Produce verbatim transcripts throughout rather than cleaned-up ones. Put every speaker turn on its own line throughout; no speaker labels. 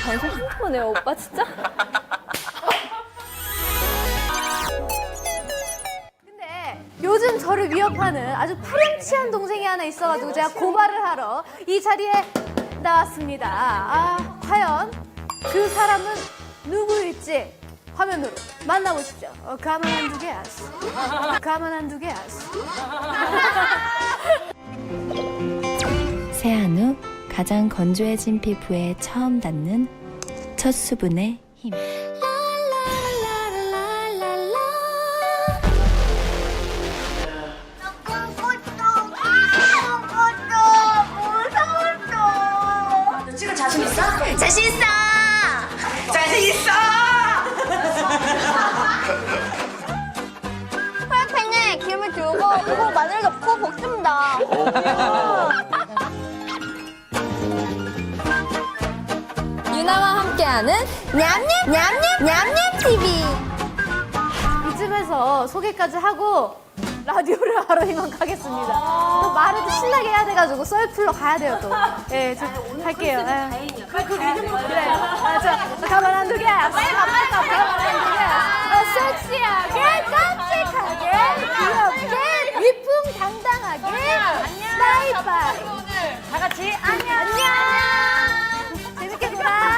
방송 한꺼번에요, 오빠 진짜?
근데 요즘 저를 위협하는 아주 파렴치한 동생이 하나 있어가지고 제가 고발을 하러 이 자리에 나왔습니다. 아, 과연 그 사람은 누구일지 화면으로 만나보시죠. 어, 가만 안 두게 아시. 가만 안 두게 아시.
세안 후 가장 건조해진 피부에 처음 닿는 첫 수분의 힘.
지금 자신 있어? 자신 있어! 자신 있어!
프라이팬에 기름을 두고 그리고 마늘 넣고 볶습니다. 유나와 함께하는 냠냠 냠냠 냠냠 티비.
이쯤에서 소개까지 하고 라디오를 하러 이만 가겠습니다. 또 말을 또 신나게 해야 돼가지고 썰풀러 가야 돼요 또. 예, 저 갈게요. 예. 그 리듬 그래. 아, 저 가만 안 두게. 빨리 가, 빨리 가. 가만 안 두게. 어, 섹시하게, 깜찍하게, 귀엽게, 위풍당당하게, 스나이파이.
다 같이 안녕!
안녕. 재밌게 놀아.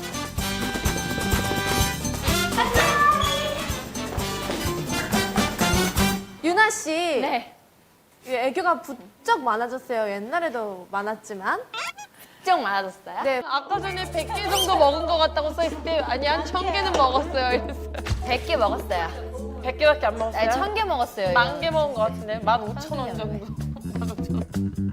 유나 씨.
네.
애교가 부쩍 많아졌어요. 옛날에도 많았지만.
좀 많아졌어요?
네.
아까 전에 백 개 정도 먹은 것 같다고 써있을 때 아니 한 천 개는 먹었어요 이랬어요.
백 개 먹었어요.
백 개밖에 안 먹었어요?
아니, 천 개 먹었어요.
만 개 먹은 것 같은데 만 오천 원 정도. 만 오천 원.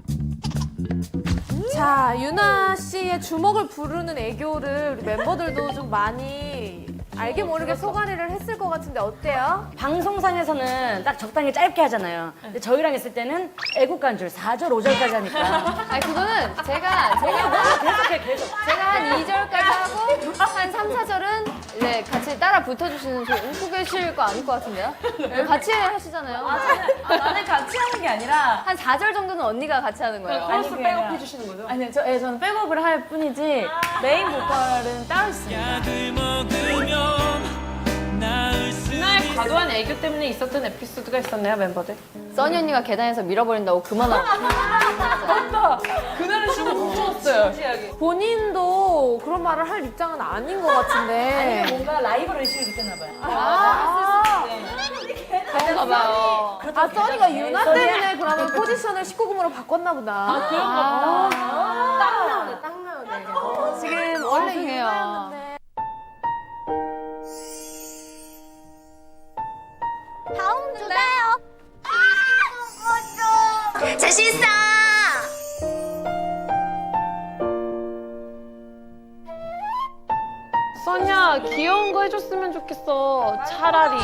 자, 유나 씨의 주먹을 부르는 애교를 우리 멤버들도 좀 많이 알게 모르게 소가리를 했을 것 같은데 어때요?
방송상에서는 딱 적당히 짧게 하잖아요. 근데 저희랑 있을 때는 애국간 줄 사 절, 오 절까지 하니까.
아니, 그거는 제가, 제가,
계속해, 계속.
제가 한 이 절까지 하고, 한 삼, 사 절은 이제 같이 따라 붙어주시는 저 웃고 계실 거 아닐 것 같은데요? 네, 같이 하시잖아요.
아, 나는 같이 하는 게 아니라.
한 사 절 정도는 언니가 같이 하는 거예요.
코러스
그게
백업
아니라-
해주시는 거죠?
아니, 저, 예, 저는 백업을 할 뿐이지 메인 보컬은 따로 있습니다.
누나의 과도한 애교 때문에 있었던 에피소드가 있었나요 멤버들?
써니 언니가 계단에서 밀어버린다고 그만하고.
맞다! 그날은 진짜 무서웠어요.
본인도 그런 말을 할 입장은 아닌 것 같은데.
뭔가 라이벌 의식을 느꼈나 봐요.
아,
그런가 봐요.
아, 써니가 유나 때문에 그러면 포지션을 십구 금으로 바꿨나 보다. 아,
그런가 봐.
딱 나오네, 딱 나오네. 지금 원래
죄송해요.
유나였는데.
다음 주세요.
자신 있어!
써니야 귀여운 거 해줬으면 좋겠어. 차라리.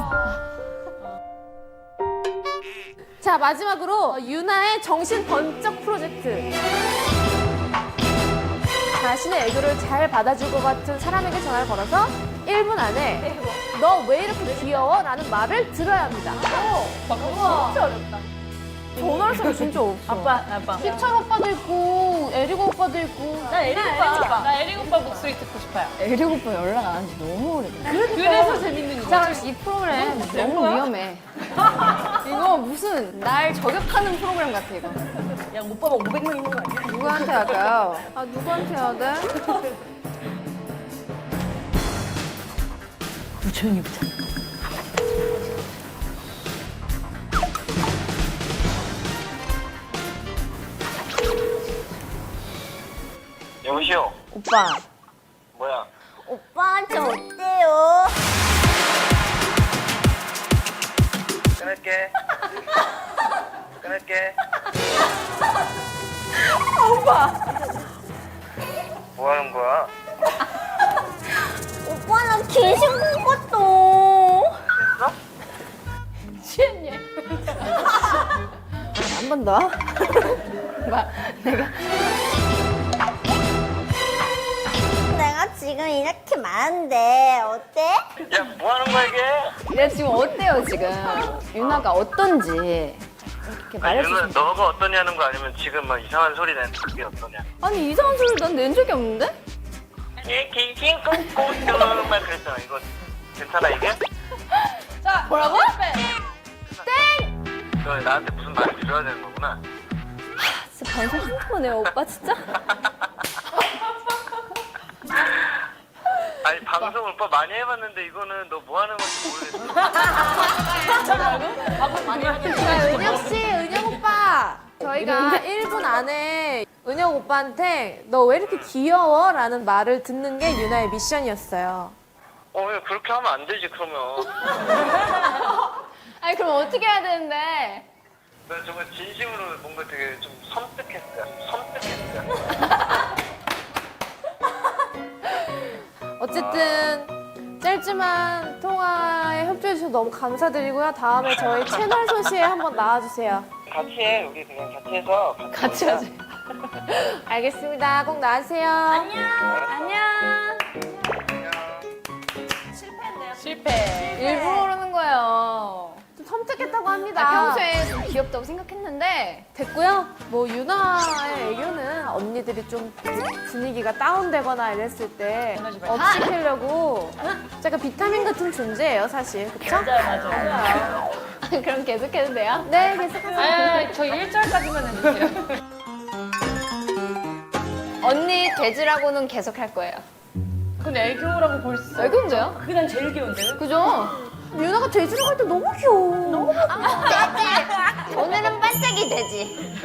자, 마지막으로 유나의 정신 번쩍 프로젝트. 자신의 애교를 잘 받아줄 것 같은 사람에게 전화를 걸어서 일 분 안에 너 왜 이렇게 귀여워? 라는 말을 들어야 합니다. 우와, 진짜 어렵다. 전화할 사람이 진짜 없어.
아빠, 아빠.
희철 오빠도 있고 에리고 오빠도 있고.
나 에릭 오빠.
나 에릭 오빠 목소리 듣고 싶어요.
에릭 오빠 연락 안 한 지 너무 오래됐어.
그래서 재밌는 거지.
자, 이 프로그램 너무 위험해. 이거 무슨 날 저격하는 프로그램 같아, 이거.
야, 오빠가 오백 명 있는 거 아니야?
누구한테 할까요?
아, 누구한테 해야 돼?
조용히 보자.
여보시오.
오빠.
뭐야?
오빠한테 어때요?
끊을게. 끊을게. 뭐 하는 거야?
오빠는 귀신 본 것도.
됐어?
취했니?
한 번 더. 막 내가
내가 지금 이렇게 많은데 어때?
야, 뭐 하는 거야, 이게?
내가 지금 어때요 지금? 유나가 어떤지 이렇게
아니,
말해주세요.
누나, 너가 어떠냐는 거 아니면 지금 막 이상한 소리 내는 그게 어떠냐?
아니 이상한 소리 난 낸 적이 없는데?
예, 긴긴 꽁꽁 막 그랬잖아. 이거 괜찮아 이게?
자, 뭐라고?
너 나한테 무슨 말을 들어야 되는 거구나.
진짜 방송 한번 해요, 오빠 진짜?
아니 방송 오빠 많이 해봤는데 이거는 너 뭐 하는 건지 모르겠어.
자, 은혁 씨, 은혁 오빠. 저희가 일 분 안에 은혁 오빠한테 너 왜 이렇게 귀여워? 라는 말을 듣는 게 유나의 미션이었어요.
어, 왜 그렇게 하면 안 되지 그러면.
아니 그럼 어떻게 해야 되는데?
나 정말 진심으로 뭔가 되게 좀 섬뜩했어요. 섬뜩했어요.
어쨌든 짧지만 통화에 협조해 주셔서 너무 감사드리고요. 다음에 저희 채널 소시에 한번 나와주세요.
같이 해. 우리 그냥 같이 해서 같이,
같이
놀자.
하자.
알겠습니다. 꼭 나와주세요.
안녕.
안녕.
실패.
일부러 그러는 거예요.
좀 섬뜩했다고 합니다.
나 평소에 좀 귀엽다고 생각했는데
됐고요. 뭐 유나의 애교는 언니들이 좀 분위기가 다운되거나 이랬을 때 업시키려고 약간 비타민 같은 존재예요, 사실. 그쵸?
맞아요, 맞아요.
그럼 계속해도 돼요?
네, 계속하세요.
아, 저 일 절까지만 해주세요.
언니 돼지라고는 계속 할 거예요.
그건 애교라고 볼 수.
왜 그런데요?
그게 난 제일 귀여운데요?
그죠?
유나가 돼지로 갈 때 너무 귀여워. 너무
오늘은 반짝이 되지.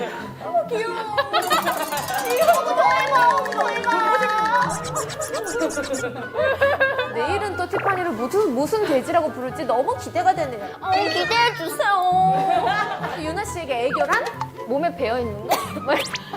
내일은 또 티파니를 무슨, 무슨 돼지라고 부를지 너무 기대가 되네요.
어, 기대해 주세요.
유나 씨에게 애교란?
몸에 배어 있는 거?